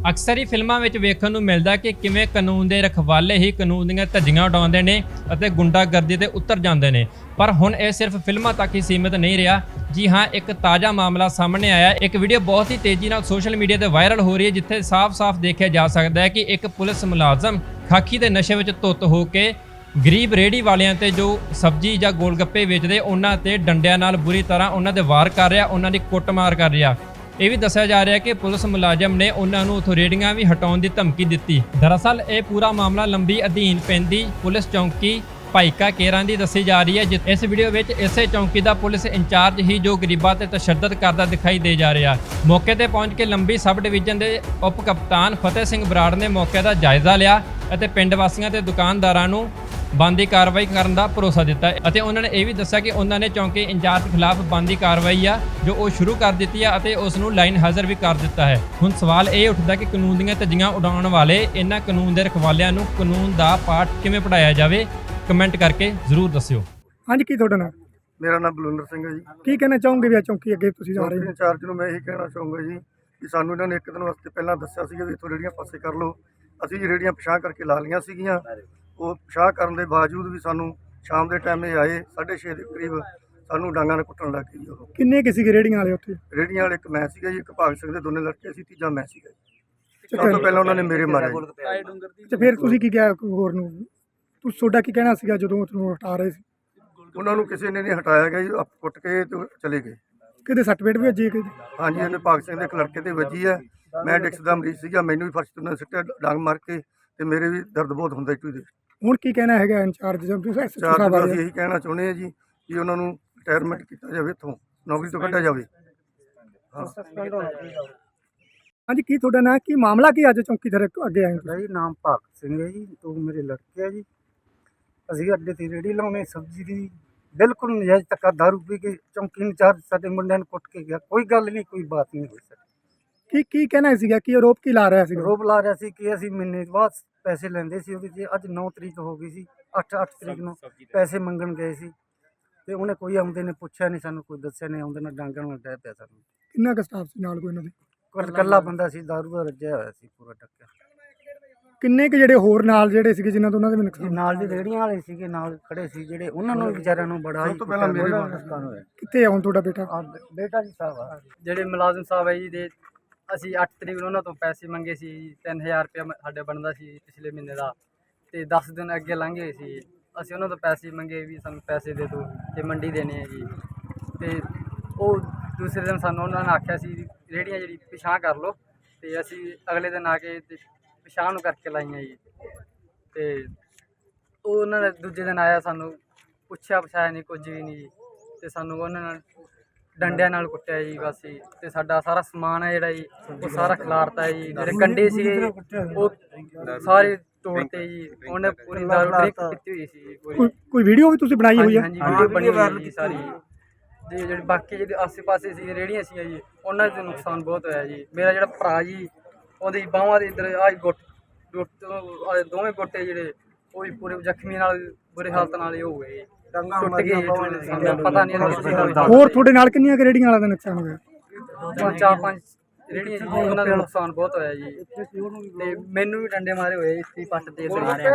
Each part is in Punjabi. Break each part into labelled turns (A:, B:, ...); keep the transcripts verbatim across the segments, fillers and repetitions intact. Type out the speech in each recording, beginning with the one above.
A: ਅਕਸਰ ਹੀ ਫਿਲਮਾਂ ਵਿੱਚ ਵੇਖਣ ਨੂੰ ਮਿਲਦਾ ਕਿ ਕਿਵੇਂ ਕਾਨੂੰਨ ਦੇ ਰਖਵਾਲੇ ਹੀ ਕਾਨੂੰਨ ਦੀਆਂ ਧੱਜੀਆਂ ਉਡਾਉਂਦੇ ਨੇ ਅਤੇ ਗੁੰਡਾਗਰਦੀ ਤੇ ਉਤਰ ਜਾਂਦੇ ਨੇ। ਪਰ ਹੁਣ ਇਹ ਸਿਰਫ ਫਿਲਮਾਂ ਤੱਕ ਹੀ ਸੀਮਿਤ ਨਹੀਂ ਰਿਹਾ। ਜੀ ਹਾਂ, ਇੱਕ ਤਾਜ਼ਾ ਮਾਮਲਾ ਸਾਹਮਣੇ ਆਇਆ। ਇੱਕ ਵੀਡੀਓ ਬਹੁਤ ਹੀ ਤੇਜ਼ੀ ਨਾਲ ਸੋਸ਼ਲ ਮੀਡੀਆ ਤੇ ਵਾਇਰਲ ਹੋ ਰਹੀ ਹੈ, ਜਿੱਥੇ ਸਾਫ਼-ਸਾਫ਼ ਦੇਖਿਆ ਜਾ ਸਕਦਾ ਹੈ ਕਿ ਇੱਕ ਪੁਲਿਸ ਮੁਲਾਜ਼ਮ ਖਾਕੀ ਦੇ ਨਸ਼ੇ ਵਿੱਚ ਧੁੱਤ ਹੋ ਕੇ ਗਰੀਬ ਰੇਹੜੀ ਵਾਲਿਆਂ ਤੇ ਜੋ ਸਬਜ਼ੀ ਜਾਂ ਗੋਲਗੱਪੇ ਵੇਚਦੇ ਉਹਨਾਂ ਤੇ ਡੰਡਿਆਂ ਨਾਲ ਬੁਰੀ ਤਰ੍ਹਾਂ ਉਹਨਾਂ ਦੇ ਵਾਰ ਕਰ ਰਿਹਾ, ਉਹਨਾਂ ਦੀ ਕੁੱਟਮਾਰ ਕਰ ਰਿਹਾ। ਇਹ ਵੀ ਦੱਸਿਆ ਜਾ ਰਿਹਾ ਕਿ ਪੁਲਿਸ ਮੁਲਾਜ਼ਮ ਨੇ ਉਹਨਾਂ ਨੂੰ ਉੱਥੋਂ ਰੇਹੜੀਆਂ ਵੀ ਹਟਾਉਣ ਦੀ ਧਮਕੀ ਦਿੱਤੀ। ਦਰਅਸਲ ਇਹ ਪੂਰਾ ਮਾਮਲਾ ਲੰਬੀ ਅਧੀਨ ਪੈਂਦੀ ਪੁਲਿਸ ਚੌਂਕੀ ਭਾਈਕਾ ਕੇਰਾਂ ਦੀ ਦੱਸੀ ਜਾ ਰਹੀ ਹੈ। ਇਸ ਵੀਡੀਓ ਵਿੱਚ ਇਸੇ ਚੌਂਕੀ ਦਾ ਪੁਲਿਸ ਇੰਚਾਰਜ ਹੀ ਜੋ ਗਰੀਬਾਂ ਤੇ ਤਸ਼ੱਦਦ ਕਰਦਾ ਦਿਖਾਈ ਦੇ ਜਾ ਰਿਹਾ। ਮੌਕੇ ਤੇ ਪਹੁੰਚ ਕੇ ਲੰਬੀ ਸਬ ਡਿਵੀਜ਼ਨ ਦੇ ਉਪ ਕਪਤਾਨ ਫਤਿਹ ਸਿੰਘ ਬਰਾੜ ਨੇ ਮੌਕੇ ਦਾ ਜਾਇਜ਼ਾ ਲਿਆ ਅਤੇ ਪਿੰਡ ਵਾਸੀਆਂ ਤੇ ਦੁਕਾਨਦਾਰਾਂ ਨੂੰ ਬਣਦੀ ਕਾਰਵਾਈ ਕਰਨ ਦਾ ਭਰੋਸਾ ਦਿੱਤਾ ਅਤੇ ਉਹਨਾਂ ਨੇ ਇਹ ਵੀ ਦੱਸਿਆ ਕਿ ਉਹਨਾਂ ਨੇ ਚੌਂਕੀ ਇੰਚਾਰਜ ਖਿਲਾਫ ਬਣਦੀ ਕਾਰਵਾਈ ਆ ਜੋ ਉਹ ਸ਼ੁਰੂ ਕਰ ਦਿੱਤੀ ਆ ਅਤੇ ਉਸ ਨੂੰ ਲਾਈਨ ਹਾਜ਼ਰ ਵੀ ਕਰ ਦਿੱਤਾ ਹੈ। ਹੁਣ ਸਵਾਲ ਇਹ ਉੱਠਦਾ ਕਿ ਕਾਨੂੰਨ ਦੀਆਂ ਧੱਜੀਆਂ ਉਡਾਉਣ ਵਾਲੇ ਇਹਨਾਂ ਕਾਨੂੰਨ ਦੇ ਰਖਵਾਲਿਆਂ ਨੂੰ ਕਾਨੂੰਨ ਦਾ ਪਾਠ ਕਿਵੇਂ ਪੜਾਇਆ ਜਾਵੇ, ਕਮੈਂਟ ਕਰਕੇ ਜ਼ਰੂਰ ਦੱਸਿਓ।
B: ਹਾਂਜੀ, ਕੀ ਤੁਹਾਡਾ ਨਾਮ?
C: ਮੇਰਾ ਨਾਮ ਬਲਵਿੰਦਰ ਸਿੰਘ ਹੈ ਜੀ।
B: ਕੀ ਕਹਿਣਾ ਚਾਹੋਗੇ ਵੀ ਚੌਂਕੀ ਅੱਗੇ ਤੁਸੀਂ ਜਾ ਰਹੇ ਹੋ?
C: ਇੰਚਾਰਜ ਨੂੰ ਮੈਂ ਇਹੀ ਕਹਿਣਾ ਚਾਹੂੰਗਾ ਜੀ ਕਿ ਸਾਨੂੰ ਇਹਨਾਂ ਨੇ ਇੱਕ ਦਿਨ ਵਾਸਤੇ ਪਹਿਲਾਂ ਦੱਸਿਆ ਸੀਗਾ ਵੀ ਇੱਥੋਂ ਰੇਹੜੀਆਂ ਪਾਸੇ ਕਰ ਲਓ। ਅਸੀਂ ਜੀ ਰੇਹੜੀਆਂ ਪਿਛਾਂਹ ਕਰਕੇ ਲਾ ਲਈਆਂ ਸੀਗੀਆਂ। ਉਹ ਪਿਛਾਂਹ ਕਰਨ ਦੇ ਬਾਵਜੂਦ ਵੀ ਸਾਨੂੰ ਸ਼ਾਮ ਦੇ ਟਾਈਮ ਇਹ ਆਏ ਸਾਢੇ ਛੇ ਦੇ ਕਰੀਬ ਸਾਨੂੰ ਡਾਂਗਾਂ ਨਾਲ ਕੁੱਟਣ ਲੱਗ ਗਏ ਜੀ। ਉਹ
B: ਕਿੰਨੇ ਕਿਸੇ ਰੇਹੜੀਆਂ ਵਾਲੇ ਉੱਥੇ?
C: ਰੇਹੜੀਆਂ ਵਾਲੇ ਇੱਕ ਮੈਂ ਸੀਗਾ ਜੀ, ਇੱਕ ਭਾਗ ਸਿੰਘ ਦੇ ਦੋਨੇ ਲੜਕੇ ਸੀ, ਤੀਜਾ ਮੈਂ ਸੀਗਾ ਜੀ। ਸਭ ਤੋਂ ਪਹਿਲਾਂ ਉਹਨਾਂ ਨੇ ਮੇਰੇ ਮਾਰਿਆ ਜੀ।
B: ਤੇ ਫਿਰ ਤੁਸੀਂ ਕੀ ਕਿਹਾ ਹੋਰ ਨੂੰ? ਤੁਸੀਂ ਤੁਹਾਡਾ ਕੀ ਕਹਿਣਾ ਸੀਗਾ ਜਦੋਂ ਤੁਹਾਨੂੰ ਹਟਾ ਰਹੇ ਸੀ?
C: ਉਹਨਾਂ ਨੂੰ ਕਿਸੇ ਨੇ ਨਹੀਂ ਹਟਾਇਆ ਗਿਆ ਜੀ, ਆਪ ਕੁੱਟ ਕੇ ਤੇ ਚਲੇ ਗਏ।
B: ਕਿਤੇ ਸੱਟ ਪੇਟ ਵੀ ਵੱਜੀ? ਕਿਤੇ?
C: ਹਾਂਜੀ, ਇਹਨੇ ਭਾਗ ਸਿੰਘ ਦੇ ਇੱਕ ਲੜਕੇ ਤੇ ਵੱਜੀ ਹੈ। ਮੈਂ ਡਿਕਸ ਦਾ ਮਰੀਜ਼ ਸੀਗਾ, ਮੈਨੂੰ ਵੀ ਫਰਸ਼ ਤੋਂ ਸਿੱਟਿਆ ਡਾਂਗ ਮਾਰ ਕੇ ਤੇ ਮੇਰੇ ਵੀ ਦਰਦ ਬਹੁਤ ਹੁੰਦਾ ਜੀ ਦੇ।
B: ਹੁਣ ਕੀ ਕਹਿਣਾ ਹੈਗਾ ਇੰਚਾਰਜ ਸਾਹਿਬ?
C: ਅਸੀਂ ਇਹੀ ਕਹਿਣਾ ਚਾਹੁੰਦੇ ਹਾਂ ਜੀ ਕਿ ਉਹਨਾਂ ਨੂੰ ਰਿਟਾਇਰਮੈਂਟ ਕੀਤਾ ਜਾਵੇ, ਇੱਥੋਂ ਨੌਕਰੀ ਤੋਂ ਕੱਢਿਆ ਜਾਵੇ।
B: ਹਾਂਜੀ, ਕੀ ਤੁਹਾਡਾ ਨਾਂ? ਕੀ ਮਾਮਲਾ ਕੀ ਅੱਜ ਚੌਂਕੀ ਦੇ ਅੱਗੇ ਆਏ?
D: ਮੇਰਾ ਜੀ ਨਾਮ ਭਗਤ ਸਿੰਘ ਹੈ ਜੀ। ਦੋ ਮੇਰੇ ਲੜਕੇ ਆ ਜੀ। ਅਸੀਂ ਅੱਡੇ ਤੇ ਰੇਹੜੀ ਲਾਉਣੇ ਸਬਜ਼ੀ ਦੀ, ਬਿਲਕੁਲ ਨਜਾਇਜ਼ ਧੱਕਾ ਦਾਰੂ ਪੀ ਕੇ ਚੌਂਕੀ ਇੰਚਾਰਜ ਸਾਡੇ ਮੁੰਡਿਆਂ ਨੂੰ ਕੁੱਟ ਕੇ ਗਿਆ। ਕੋਈ ਗੱਲ ਨਹੀਂ, ਕੋਈ ਬਾਤ ਨਹੀਂ ਹੋਈ। ਸਰ
B: ਕੀ ਕੀ ਕਹਿਣਾ ਸੀਗਾ? ਕੀ ਆਰੋਪ ਕੀ ਲਾ ਰਿਹਾ ਸੀ?
D: ਰੋਪ ਲਾ ਰਿਹਾ ਸੀ ਕਿ ਅਸੀਂ ਮਹੀਨੇ ਬਾਅਦ ਪੈਸੇ ਲੈਂਦੇ ਸੀ ਉਹਦੇ 'ਚ। ਅੱਜ ਨੌ ਤਰੀਕ ਹੋ ਗਈ ਸੀ, ਅੱਠ ਅੱਠ ਤਰੀਕ ਨੂੰ ਪੈਸੇ ਮੰਗਣ ਗਏ ਸੀ ਤੇ ਉਹਨੇ ਕੋਈ ਆਉਂਦੇ ਨੇ ਪੁੱਛਿਆ ਨਹੀਂ, ਸਾਨੂੰ ਕੋਈ ਦੱਸਿਆ ਨਹੀਂ। ਆਉਂਦੇ ਨਾਲ ਡਾਂਗਣ ਨਾਲ ਡਹਿ ਪਿਆ ਸਾਨੂੰ।
B: ਕਿੰਨਾ ਕੁ ਸਟਾਫ ਸੀ ਨਾਲ? ਕੋਈ ਇਹਨਾਂ ਦੇ
D: ਇਕੱਲਾ ਬੰਦਾ ਸੀ, ਦਾਰੂ ਦਾ ਰੱਜਿਆ ਹੋਇਆ ਸੀ ਪੂਰਾ ਟੱਕਿਆ।
B: ਕਿੰਨੇ ਕੁ ਜਿਹੜੇ ਹੋਰ ਨਾਲ ਜਿਹੜੇ ਸੀਗੇ ਜਿਨ੍ਹਾਂ ਤੋਂ ਉਹਨਾਂ ਦੇ ਵੀ ਨੁਕਸਾਨ?
D: ਨਾਲ ਦੀ ਰੇਹੜੀਆਂ ਵਾਲੇ ਸੀਗੇ, ਨਾਲ ਖੜੇ ਸੀ ਜਿਹੜੇ, ਉਹਨਾਂ ਨੂੰ ਵਿਚਾਰਿਆਂ ਨੂੰ ਬੜਾ ਹੀ
C: ਪਹਿਲਾਂ ਮੇਰੇ
D: ਨੁਕਸਾਨ ਹੋਇਆ।
B: ਕਿੱਥੇ ਆ ਹੁਣ ਤੁਹਾਡਾ ਬੇਟਾ?
D: ਬੇਟਾ ਜੀ ਸਾਹਿਬ ਆ
E: ਜਿਹੜੇ ਮੁਲਾਜ਼ਮ ਸਾਹਿਬ ਹੈ ਜੀ ਦੇ, ਅਸੀਂ ਅੱਠ ਤਰੀਕ ਨੂੰ ਉਹਨਾਂ ਤੋਂ ਪੈਸੇ ਮੰਗੇ ਸੀ। ਤਿੰਨ ਹਜ਼ਾਰ ਰੁਪਇਆ ਸਾਡੇ ਬਣਦਾ ਸੀ ਪਿਛਲੇ ਮਹੀਨੇ ਦਾ, ਤੇ ਦਸ ਦਿਨ ਅੱਗੇ ਲੰਘ ਗਏ ਸੀ। ਅਸੀਂ ਉਹਨਾਂ ਤੋਂ ਪੈਸੇ ਮੰਗੇ ਵੀ ਸਾਨੂੰ ਪੈਸੇ ਦੇ ਦਿਓ ਤੇ ਮੰਡੀ ਦੇਣੇ ਹੈ ਜੀ। ਤੇ ਉਹ ਦੂਸਰੇ ਦਿਨ ਸਾਨੂੰ ਉਹਨਾਂ ਨੇ ਆਖਿਆ ਸੀ ਰੇਹੜੀਆਂ ਜਿਹੜੀ ਪਿਛਾਂਹ ਕਰ ਲਓ, ਤੇ ਅਸੀਂ ਅਗਲੇ ਦਿਨ ਆ ਕੇ ਤੇ ਪਿਛਾਂਹ ਨੂੰ ਕਰਕੇ ਲਾਈਆਂ ਜੀ। ਤੇ ਉਹ ਉਹਨਾਂ ਨੇ ਦੂਜੇ ਦਿਨ ਆਇਆ, ਸਾਨੂੰ ਪੁੱਛਿਆ ਪਛਾਇਆ ਨਹੀਂ, ਕੁਝ ਵੀ ਨਹੀਂ ਜੀ। ਤੇ ਸਾਨੂੰ ਉਹਨਾਂ ਨਾਲ ਡੰਡਿਆਂ ਨਾਲ ਕੁੱਟਿਆ ਜੀ ਬਸ ਜੀ। ਤੇ ਸਾਡਾ ਸਾਰਾ ਸਮਾਨ ਹੈ ਜਿਹੜਾ ਜੀ ਉਹ ਸਾਰਾ ਖਿਲਾਰਤਾ ਜੀ। ਜਿਹੜੇ ਕੰਡੇ ਸੀਗੇ ਉਹ ਸਾਰੇ ਤੋੜਤੇ ਜੀ। ਉਹਨੇ ਪੂਰੀ ਦਾਰੂ ਡਰਿੰਕ ਕੀਤੀ ਹੋਈ ਸੀ ਪੂਰੀ।
B: ਕੋਈ ਕੋਈ ਵੀਡੀਓ ਵੀ ਤੁਸੀਂ ਬਣਾਈ ਹੋਈ ਹੈ?
E: ਹਾਂਜੀ, ਵੀਡੀਓ ਬਣੀ ਹੋਈ ਜੀ ਸਾਰੀ। ਜੀ ਜਿਹੜੇ ਬਾਕੀ ਜਿਹੜੇ ਆਸੇ ਪਾਸੇ ਸੀ ਰੇਹੜੀਆਂ ਸੀ ਜੀ, ਉਹਨਾਂ ਦਾ ਨੁਕਸਾਨ ਬਹੁਤ ਹੋਇਆ ਜੀ। ਮੇਰਾ ਜਿਹੜਾ ਭਰਾ ਜੀ, ਉਹਦੀ ਬਾਹਾਂ ਦੇ ਇੱਧਰ ਆਹ ਗੁੱਟ ਗੁੱਟ ਦੋਵੇਂ ਗੋਟੇ ਜਿਹੜੇ ਉਹ ਵੀ ਪੂਰੇ ਜ਼ਖਮੀ ਨਾਲ ਬੁਰੇ ਹਾਲਤ ਨਾਲ ਹੀ ਹੋ ਗਏ, ਟੁੱਟ ਗਏ। ਸਾਨੂੰ ਪਤਾ ਨਹੀਂ
B: ਹੋਰ ਤੁਹਾਡੇ ਨਾਲ ਕਿੰਨੀਆਂ ਰੇਹੜੀਆਂ ਵਾਲਿਆਂ ਦਾ ਨੁਕਸਾਨ ਹੋਇਆ?
E: ਚਾਰ ਪੰਜ ਰੇਹੜੀਆਂ ਸੀ, ਉਹਨਾਂ ਦਾ ਨੁਕਸਾਨ ਬਹੁਤ ਹੋਇਆ ਜੀ। ਤੇ ਮੈਨੂੰ ਵੀ ਡੰਡੇ ਮਾਰੇ ਹੋਏ ਇੱਥੇ ਪੱਟ ਤੇ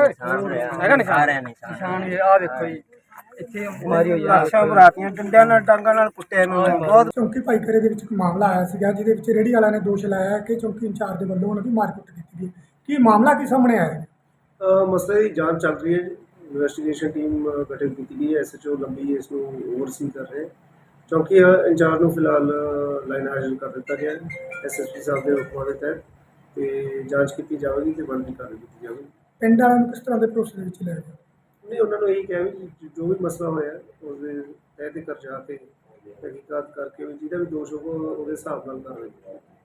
E: ਹੈਗਾ ਨਿਸ਼ਾਨ ਵੀ ਆਹ ਵੇਖੋ ਜੀ, ਇੱਥੇ ਮਾਰੀ ਹੋਈ ਆ।
D: ਲਾਸ਼ਾਂ ਭਰਾਤੀਆਂ ਡੰਡਿਆਂ ਨਾਲ, ਡਾਂਗਾਂ ਨਾਲ ਕੁੱਟਿਆ ਮੈਨੂੰ ਬਹੁਤ।
B: ਚੌਂਕੀ ਭਾਈਕਰੇ ਦੇ ਵਿੱਚ ਇੱਕ ਮਾਮਲਾ ਆਇਆ ਸੀਗਾ ਜਿਹਦੇ ਵਿੱਚ ਰੇਹੜੀ ਵਾਲਿਆਂ ਨੇ ਦੋਸ਼ ਲਾਇਆ ਕਿ ਚੌਂਕੀ ਇੰਚਾਰਜ ਦੇ ਵੱਲੋਂ ਉਹਨਾਂ ਦੀ ਮਾਰਕੁੱਟ ਕੀਤੀ ਗਈ। ਕੀ ਮਾਮਲਾ ਕੀ ਸਾਹਮਣੇ ਆਇਆ?
F: ਮਸਲੇ ਦੀ ਜਾਂਚ ਚੱਲ ਰਹੀ ਹੈ। ਇਨਵੈਸਟੀਗੇਸ਼ਨ ਟੀਮ ਗਠਿਤ ਕੀਤੀ ਗਈ ਹੈ। ਐਸ ਐਚ ਓ ਲੰਬੀ ਇਸ ਨੂੰ ਓਵਰਸੀ ਕਰ ਰਹੇ। ਚੌਂਕੀ ਇੰਚਾਰਜ ਨੂੰ ਫਿਲਹਾਲ ਲਾਈਨ ਹਾਜ਼ਰ ਕਰ ਦਿੱਤਾ ਗਿਆ ਹੈ ਐਸ ਐਸ ਪੀ ਸਾਹਿਬ ਦੇ ਹੁਕਮਾਂ ਦੇ ਤਹਿਤ, ਤੇ ਜਾਂਚ ਕੀਤੀ ਜਾਵੇਗੀ ਤੇ ਬਣਦੀ ਕਾਰਵਾਈ ਕੀਤੀ ਜਾਵੇਗੀ।
B: ਪਿੰਡ ਵਾਲਿਆਂ ਨੂੰ ਕਿਸ ਤਰ੍ਹਾਂ ਦੇ ਭਰੋਸੇ ਦੇ ਵਿੱਚ ਲੈ ਰਹੇ?
F: ਨਹੀਂ, ਉਹਨਾਂ ਨੂੰ ਇਹੀ ਕਿਹਾ ਵੀ ਜੋ ਵੀ ਮਸਲਾ ਹੋਇਆ ਉਸਦੇ ਤਹਿ ਤੇ ਕਰ ਜਾ ਕੇ ਤਹਿਕੀਕਾਤ ਕਰਕੇ ਵੀ ਜਿਹਦਾ ਵੀ ਦੋਸ਼ ਹੋਊਗਾ ਉਹਦੇ ਹਿਸਾਬ ਨਾਲ ਕਾਰਵਾਈ